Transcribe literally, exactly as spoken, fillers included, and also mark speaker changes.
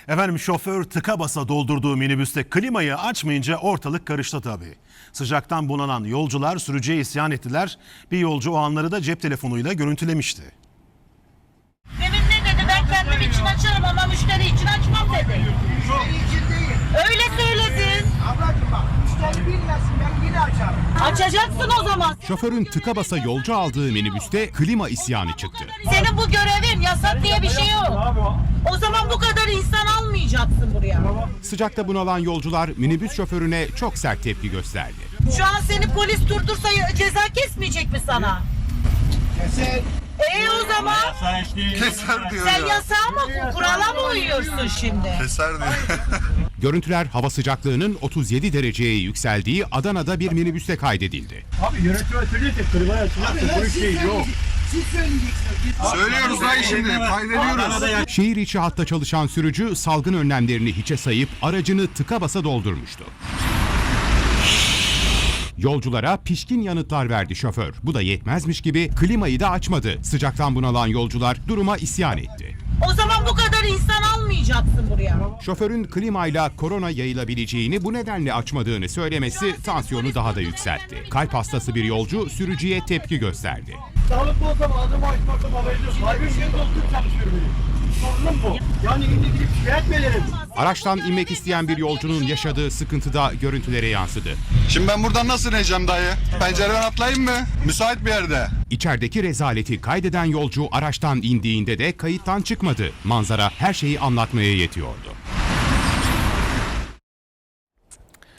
Speaker 1: Efendim şoför tıka basa doldurduğu minibüste klimayı açmayınca ortalık karıştı tabii. Sıcaktan bunanan yolcular sürücüye isyan ettiler. Bir yolcu o anları da cep telefonuyla görüntülemişti.
Speaker 2: Demin ne dedi? Ben kendim için açarım ama müşteri için açmam dedi.
Speaker 3: Müşteri için değil.
Speaker 2: Öyle söyledin.
Speaker 3: Ablacığım bak, müşteri bilmesin, ben yine açarım.
Speaker 2: Açacaksın o zaman.
Speaker 4: Şoförün tıka basa yolcu aldığı minibüste klima isyanı çıktı.
Speaker 2: Senin bu görevin, yasak diye bir şey yok. O zaman bu kadar insan almayacaksın buraya.
Speaker 4: Sıcakta bunalan yolcular minibüs şoförüne çok sert tepki gösterdi.
Speaker 2: Şu an seni polis durdursa ceza kesmeyecek mi sana?
Speaker 3: Keser.
Speaker 2: E o zaman
Speaker 5: Keser diyor
Speaker 2: sen
Speaker 5: ya.
Speaker 2: yasağa mı, kurala mı uyuyorsun şimdi?
Speaker 5: Keser diyor.
Speaker 4: Görüntüler hava sıcaklığının otuz yedi dereceye yükseldiği Adana'da bir minibüste kaydedildi.
Speaker 6: Abi yönetime söyleyecek klimayı açacak da bu iş değil yok.
Speaker 3: Siz söyleyeceksiniz.
Speaker 5: Söylüyoruz dayı şimdi, kaydediyoruz.
Speaker 4: Şehir içi hatta çalışan sürücü salgın önlemlerini hiçe sayıp aracını tıka basa doldurmuştu. Yolculara pişkin yanıtlar verdi şoför. Bu da yetmezmiş gibi klimayı da açmadı. Sıcaktan bunalan yolcular duruma isyan etti.
Speaker 2: O zaman bu kadar insan almayacaksın buraya.
Speaker 4: Şoförün klimayla korona yayılabileceğini bu nedenle açmadığını söylemesi tansiyonu daha da yükseltti. Kalp hastası bir yolcu sürücüye tepki gösterdi.
Speaker 6: Sağlıklı olsam ağzımı açmasam haberiniz yok. Kalbim şimdi doldurup çalışıyorum benim. Sorunum bu. Yani şimdi gidip şikayet mi ederim?
Speaker 4: Araçtan inmek isteyen bir yolcunun yaşadığı sıkıntı da görüntülere yansıdı.
Speaker 5: Şimdi ben buradan nasıl ineceğim dayı? Pencereden atlayayım mı? Müsait bir yerde.
Speaker 4: İçerideki rezaleti kaydeden yolcu araçtan indiğinde de kayıttan çıkmadı. Manzara her şeyi anlatmaya yetiyordu.